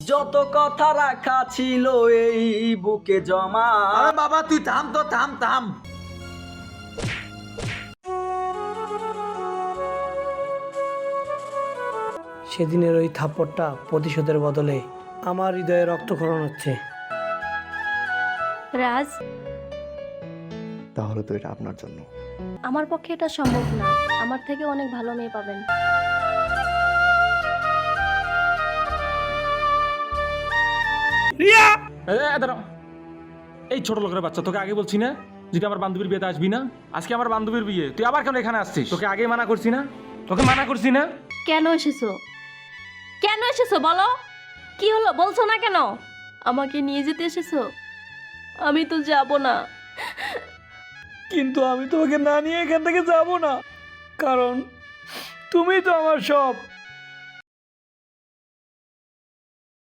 যত কথা রাখা ছিল এই বুকে জমা। আরে বাবা তুই থাম তো, থাম থাম। সেদিনের ওই থাপ্পড়টা প্রতিশোধের বদলে আমার হৃদয়ে রক্তক্ষরণ হচ্ছে। রাজ, তাহলে তো এটা আপনার জন্য। আমার পক্ষে এটা সম্ভব না। আমার থেকে অনেক ভালো মেয়ে পাবেন। দাঁড়াও, এই ছোট লোকের বাচ্চা, তোকে আগে বলছি না যদি আমার বান্ধবীর বিয়েতে আসবি না? আজকে আমার বান্ধবীর বিয়ে, তুই আবার কেন এখানে আসছিস? তোকে আগে মানা করছি না? তোকে মানা করছি না? কেন এসেছো? কেন এসেছো বলো? কি হলো বলছো না কেন? আমাকে নিয়ে যেতে এসেছো? আমি তো যাব না। কিন্তু আমি তোমাকে না নিয়ে এখান থেকে যাব না, কারণ তুমি তো আমার সব।